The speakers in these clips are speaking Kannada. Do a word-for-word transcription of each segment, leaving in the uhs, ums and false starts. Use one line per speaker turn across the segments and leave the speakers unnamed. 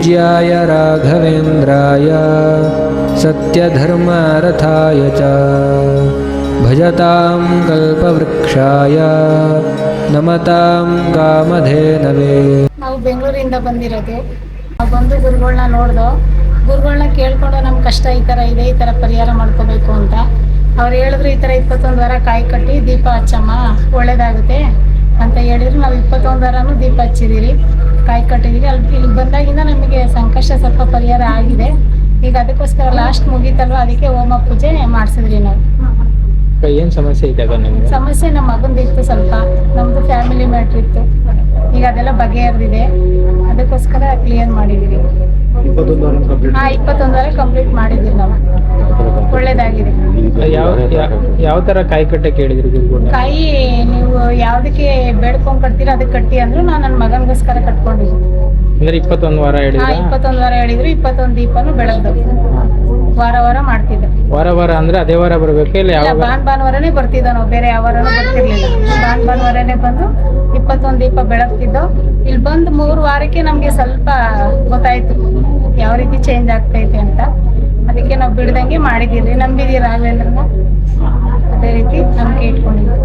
पूज्याय राघवेन्द्राय सत्यधर्मरथाय च भजतां कल्पवृक्षाय नमतां कामधेनवे।
ನಾವು ಬೆಂಗಳೂರಿಂದ ಬಂದಿರೋದು. ನಾವು ಬಂದು ಗುರುಗಳನ್ನ ನೋಡ್ದೋ, ಗುರುಗಳನ್ನ ಕೇಳ್ಕೊಂಡು ನಮ್ಮ ಕಷ್ಟ ಈ ಥರ ಇದೆ, ಈ ಥರ ಪರಿಹಾರ ಮಾಡ್ಕೋಬೇಕು ಅಂತ ಅವ್ರು ಹೇಳಿದ್ರು. ಈ ಥರ ಇಪ್ಪತ್ತೊಂದು ವಾರ ಕಾಯಿ ಕಟ್ಟಿ ದೀಪ ಹಚ್ಚಮ್ಮ ಒಳ್ಳೇದಾಗುತ್ತೆ ಅಂತ ಹೇಳಿದ್ರು. ನಾವು ಇಪ್ಪತ್ತೊಂದು ವಾರನೂ ದೀಪ ಹಚ್ಚಿದ್ದೀರಿ, ಕಾಯಿ ಕಟ್ಟಿದ್ದೀರಿ. ಅಲ್ಲಿ ಇಲ್ಲಿ ಬಂದಾಗಿಂದ ನಮಗೆ ಸಂಕಷ್ಟ ಸ್ವಲ್ಪ ಪರಿಹಾರ ಆಗಿದೆ. ಈಗ ಅದಕ್ಕೋಸ್ಕರ ಲಾಸ್ಟ್ ಮುಗೀತಲ್ವ, ಅದಕ್ಕೆ ಹೋಮ ಪೂಜೆ ಮಾಡಿಸಿದ್ರಿ ನಾವು.
ಏನು ಸಮಸ್ಯೆ ಇದೆ?
ಸಮಸ್ಯೆ ನಮ್ಮ ಮಗಂದಿತ್ತು, ಸ್ವಲ್ಪ ನಮ್ಮದು ಫ್ಯಾಮಿಲಿ ಮ್ಯಾಟ್ರ್ ಇತ್ತು. ಈಗ ಅದೆಲ್ಲ ಬಗೆಹರಿದಿದೆ, ಅದಕ್ಕೋಸ್ಕರ ಕ್ಲಿಯರ್ ಮಾಡಿದ್ದೀವಿ. ಹಾಂ, ಇಪ್ಪತ್ತೊಂದು ವಾರ ಕಂಪ್ಲೀಟ್ ಮಾಡಿದ್ದೀವಿ ನಾವು, ಒಳ್ಳೇದಾಗಿದೆ.
ಯಾವ ಯಾವ ಥರ ಕಾಯಿ ಕಟ್ಟೆ ಕೇಳಿದ್ರಿ?
ಕಾಯಿ ನೀವು ಯಾವುದಕ್ಕೆ ಬೇಡ್ಕೊಂಡು ಕಟ್ತೀರ ಅದಕ್ಕೆ ಕಟ್ಟಿ ಅಂದ್ರು. ನಾನು ನನ್ನ ಮಗನಿಗೋಸ್ಕರ ಕಟ್ಕೊಂಡಿದ್ದೀನಿ.
ಅಂದ್ರೆ ಇಪ್ಪತ್ತೊಂದು ವಾರ ಹೇಳಿದ್ರು.
ಹಾಂ, ಇಪ್ಪತ್ತೊಂದು ವಾರ ಹೇಳಿದ್ರು. ಇಪ್ಪತ್ತೊಂದು ದೀಪನೂ ಬೆಳಗ್ದು ವಾರ ವಾರ ಮಾಡ್ತಿದ್ದೆ.
ವಾರ ವಾರ ಅಂದ್ರೆ ಅದೇ ವಾರ ಬರ್ಬೇಕು ಇಲ್ಲ? ಯಾವ
ಭಾನ್ ಭಾನುವಾರನೇ ಬರ್ತಿದ್ದೋ ನಾವು, ಬೇರೆ ಯಾವ ವಾರನೂ ಬರ್ತಿರ್ಲಿಲ್ಲ. ಭಾನ್ ಭಾನುವಾರನೇ ಬಂದು ಇಪ್ಪತ್ತೊಂದು ದೀಪ ಬೆಳಗ್ತಿದ್ದೋ. ಇಲ್ಲಿ ಬಂದು ಮೂರು ವಾರಕ್ಕೆ ನಮಗೆ ಸ್ವಲ್ಪ ಗೊತ್ತಾಯ್ತು ಯಾವ ರೀತಿ ಚೇಂಜ್ ಆಗ್ತೈತೆ ಅಂತ. ಅದಕ್ಕೆ ನಾವು ಬಿಡ್ದಂಗೆ ಮಾಡಿದ್ದೀರಿ. ನಂಬಿದ್ದೀವಿ ರಾಘವೇಂದ್ರನ, ಅದೇ ರೀತಿ ನಂಬಿಕೆ ಇಟ್ಕೊಂಡಿದ್ದೀವಿ.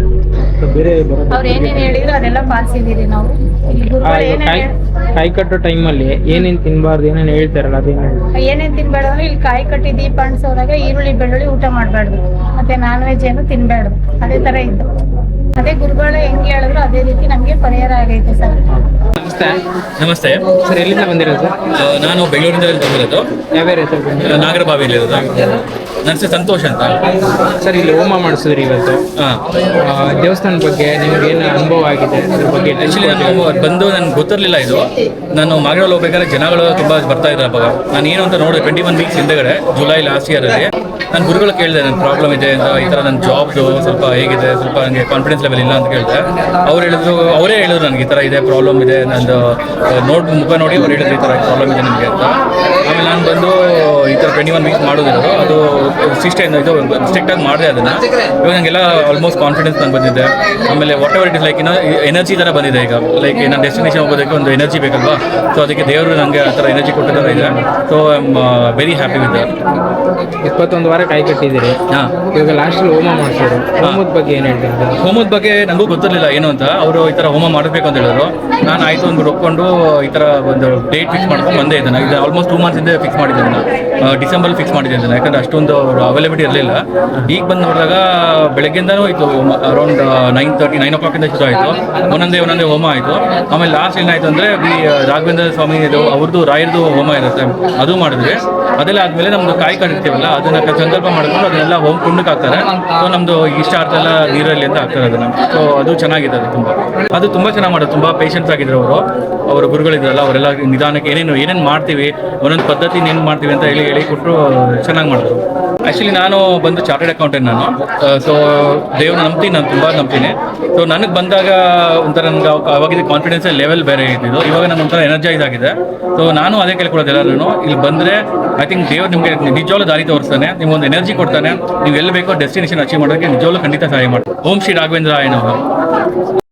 ಅವ್ರು ಏನೇನು ಹೇಳಿದ್ರು ಅದೆಲ್ಲ ಪಾಲಿಸಿದ್ದೀರಿ ನಾವು. ಇಲ್ಲಿ ಗುರುಗಳು ಏನೇನು
ಕಾಯಿ ಕಟ್ಟೋ ಟೈಮಲ್ಲಿ ಏನೇನು ತಿನ್ಬಾರ್ದು ಏನೇನು ಹೇಳ್ತಾರಲ್ಲ ಅದೇನು?
ಏನೇನು ತಿನ್ಬೇಡ ಅಂದ್ರೆ, ಇಲ್ಲಿ ಕಾಯಿ ಕಟ್ಟಿ ದೀಪ ಅಣಿಸೋದಾಗ ಈರುಳ್ಳಿ ಬೆಳ್ಳುಳ್ಳಿ ಊಟ ಮಾಡಬಾರ್ದು, ಮತ್ತೆ ನಾನ್ ವೆಜ್ ಏನು ತಿನ್ಬೇಡ್ದು, ಅದೇ ಥರ ಇತ್ತು. ಅದೇ ಗುರುಗಳು ಹೆಂಗೆ ಹೇಳಿದ್ರು ಅದೇ ರೀತಿ ನಮಗೆ ಪರಿಹಾರ ಆಗೈತೆ ಸರ್.
ನಮಸ್ತೆ.
ನಮಸ್ತೆ
ಸರ್, ಎಲ್ಲಿಂದ ಬಂದಿರೋದು?
ನಾನು ಬೆಂಗಳೂರಿಂದ ಬಂದಿರೋದು.
ಯಾವ ಏರಿಯಾ?
ನಾಗರಬಾವಿಯಲ್ಲಿ ಇರೋದು. ನನ್ನ ಹೆಸರು ಸಂತೋಷ್ ಅಂತ.
ಸರ್, ಇಲ್ಲಿ ಹೋಮ ಮಾಡಿಸಿದ್ರಿ ಇವತ್ತು.
ಹಾಂ,
ದೇವಸ್ಥಾನದ ಬಗ್ಗೆ ನಿಮ್ಗೆ ಏನು ಅನುಭವ ಆಗಿದೆ ಅದ್ರ ಬಗ್ಗೆ?
ಆ್ಯಕ್ಚುಲಿ ನಾನು ಬಂದು ನನಗೆ ಗೊತ್ತಿರಲಿಲ್ಲ ಇದು. ನಾನು ಮಾಗಡಲ್ಲಿ ಹೋಗ್ಬೇಕಾದ್ರೆ ಜನಗಳು ತುಂಬ ಬರ್ತಾ ಇದ್ದಾರೆ. ಅವಾಗ ನಾನು ಏನು ಅಂತ ನೋಡಿದೆ, ಟ್ವೆಂಟಿ ಒನ್ ವೀಕ್ಸ್ ಹಿಂದೆಗಡೆ ಜುಲೈ ಲಾಸ್ಟ್ ಇಯರಲ್ಲಿ ನಾನು ಗುರುಗಳು ಕೇಳಿದೆ, ನನ್ನ ಪ್ರಾಬ್ಲಮ್ ಇದೆ ಅಂತ, ಈ ಥರ ನನ್ನ ಜಾಬ್ದು ಸ್ವಲ್ಪ ಹೇಗಿದೆ, ಸ್ವಲ್ಪ ನನಗೆ ಕಾನ್ಫಿಡೆನ್ಸ್ ಲೆವೆಲ್ ಇಲ್ಲ ಅಂತ ಕೇಳಿದೆ. ಅವ್ರು ಹೇಳಿದ್ರು, ಅವರೇ ಹೇಳಿದ್ರು ನನಗೆ ಈ ಥರ ಇದೆ, ಪ್ರಾಬ್ಲಮ್ ಇದೆ, ನಂದು ನೋಡಿ ಮುಖ ನೋಡಿ ಅವ್ರು ಹೇಳಿದ್ರು ಈ ಥರ ಪ್ರಾಬ್ಲಮ್ ಇದೆ ನನಗೆ ಅಂತ. ಆಮೇಲೆ ನಾನು ಬಂದು ಈ ಥರ ಟ್ವೆಂಟಿ ಒನ್ ವೀಕ್ಸ್ ಮಾಡೋದಿರೋದು, ಅದು ಸಿಸ್ಟಮ್ ಇದು ಸ್ಟ್ರಿಕ್ಟಾಗಿ ಮಾಡಿದೆ ಅದನ್ನು. ಇವಾಗ ನನಗೆಲ್ಲ ಆಲ್ಮೋಸ್ಟ್ ಕಾನ್ಫಿಡೆನ್ಸ್ ನಂಗೆ ಬಂದಿದೆ. ಆಮೇಲೆ whatever it is like ಇನ್ನೂ ಎನರ್ಜಿ ಥರ ಬಂದಿದೆ ಈಗ. ಲೈಕ್ ನನ್ನ ಡೆಸ್ಟಿನೇಷನ್ ಹೋಗೋದಕ್ಕೆ ಒಂದು ಎನರ್ಜಿ ಬೇಕಲ್ವಾ, ಸೊ ಅದಕ್ಕೆ ದೇವರು ನನಗೆ ಆ ಥರ ಎನರ್ಜಿ ಕೊಟ್ಟ ಥರ ಇದೆ. So I am very happy with that.
ಇಪ್ಪತ್ತೊಂದು ವಾರ ಕಾಯಿ ಕಟ್ಟಿದ್ದೀರಿ.
ಹಾಂ,
ಇವಾಗ ಲಾಸ್ಟಲ್ಲಿ ಹೋಮ ಮಾಡಿಸಿದ್ರು. ಹೋಮದ ಬಗ್ಗೆ ಏನು ಹೇಳ್ತಾರೆ?
ಹೋಮದ ಬಗ್ಗೆ ನನಗೂ ಗೊತ್ತಿರಲಿಲ್ಲ ಏನು ಅಂತ. ಅವರು ಈ ಥರ ಹೋಮ ಮಾಡಬೇಕು ಅಂತ ಹೇಳಿದ್ರು. ನಾನು ಆಯಿತು ಒಂದು ಒಪ್ಕೊಂಡು ಈ ಥರ ಒಂದು ಡೇಟ್ ಫಿಕ್ಸ್ ಮಾಡ್ಕೊಂಡು ಬಂದೇ ಇದ್ದಾನೆ. ಇದು ಆಲ್ಮೋಸ್ಟ್ ಟೂ ಮಂತ್ಸ್ ಇಂದ ಫಿಕ್ಸ್ ಮಾಡಿದ್ದೆ ನಾನು, ಡಿಸೆಂಬರ್ ಫಿಕ್ಸ್ ಮಾಡಿದ್ದೆ ನಾನು, ಯಾಕಂದರೆ ಅಷ್ಟೊಂದು ಅವೈಲಬಿಲಿಟಿ ಇರಲಿಲ್ಲ. ಈಗ ಬಂದು ನೋಡಿದಾಗ ಬೆಳಗ್ಗೆಯಿಂದನೂ ಇತ್ತು, ಅರೌಂಡ್ ನೈನ್ ತರ್ಟಿ ನೈನ್ ಓ ಕ್ಲಾಕಿಂದ ಶುರು ಆಯಿತು. ಒಂದೊಂದೇ ಒಂದೊಂದೇ ಹೋಮ ಆಯಿತು. ಆಮೇಲೆ ಲಾಸ್ಟ್ ಏನಾಯಿತು ಅಂದರೆ, ಈ ರಾಘವೇಂದ್ರ ಸ್ವಾಮಿ ಇದು ಅವ್ರದ್ದು ರಾಯರದು ಹೋಮ ಇರುತ್ತೆ, ಅದು ಮಾಡಿದ್ವಿ. ಅದೆಲ್ಲ ಆದಮೇಲೆ ನಮ್ಮದು ಕಾಯಿ ಕಟ್ಟಿರ್ತೀವಲ್ಲ, ಅದನ್ನು ಸಂಕಲ್ಪ ಮಾಡ್ಕೊಂಡು ಅದನ್ನೆಲ್ಲ ಹೋಮ್ ಕುಂಡಕ್ಕೆ ಹಾಕ್ತಾರೆ. ಸೊ ನಮ್ಮದು ಇಷ್ಟಾರ್ಥ ಎಲ್ಲ ನೀರಲ್ಲಿ ಅಂತ ಹಾಕ್ತಾರೆ ಅದನ್ನು. ಸೊ ಅದು ಚೆನ್ನಾಗಿದೆ, ಅದು ತುಂಬ ಅದು ತುಂಬ ಚೆನ್ನಾಗಿ ಮಾಡೋದು. ತುಂಬ ಪೇಷನ್ಸ್ ಆಗಿದ್ರು ಅವರು, ಅವರ ಗುರುಗಳಿದ್ರಲ್ಲ, ಅವರೆಲ್ಲ ನಿಧಾನಕ್ಕೆ ಏನೇನು ಏನೇನು ಮಾಡ್ತೀವಿ, ಒಂದೊಂದು ಪದ್ಧತಿ ಏನು ಮಾಡ್ತೀವಿ ಅಂತ ಹೇಳಿ ಹೇಳಿ ಕೊಟ್ಟರು, ಚೆನ್ನಾಗಿ ಮಾಡಿದ್ರು. ಆ್ಯಕ್ಚುಲಿ ನಾನು ಬಂದು ಚಾರ್ಟೆಡ್ ಅಕೌಂಟೆಂಟ್ ನಾನು. ಸೊ ದೇವ್ರನ್ನ ನಂಬ್ತೀನಿ, ನಾನು ತುಂಬ ನಂಬ್ತೀನಿ. ಸೊ ನನಗೆ ಬಂದಾಗ ಒಂಥರ ನನಗೆ ಅವಾಗಿದ್ದ ಕಾನ್ಫಿಡೆನ್ಸ್ ಲೆವೆಲ್ ಬೇರೆ ಇದ್ದಿದ್ದು. ಇವಾಗ ನಾನು ಒಂಥರ ಎನರ್ಜೈಸ್ ಆಗಿದೆ. ಸೊ ನಾನು ಅದೇ ಕೇಳ್ಕೊಡೋದು ಎಲ್ಲರೂ, ಇಲ್ಲಿ ಬಂದರೆ ಐ ಥಿಂಕ್ ದೇವ್ರು ನಿಮಗೆ ನಿಜವಾಗ್ಲೂ ದಾರಿ ತೋರಿಸ್ತಾನೆ, ನಿಮ್ಗೊಂದು ಎನರ್ಜಿ ಕೊಡ್ತಾನೆ. ನೀವು ಎಲ್ಲಿ ಬೇಕೋ ಡೆಸ್ಟಿನೇಷನ್ ಅಚೀವ್ ಮಾಡೋಕ್ಕೆ ನಿಜವಾಗ್ಲೂ ಖಂಡಿತ ಸಹಾಯ ಮಾಡ್ತಾರೆ. ಓಂ ಶ್ರೀ ರಾಘವೇಂದ್ರ ಆಯನವರು.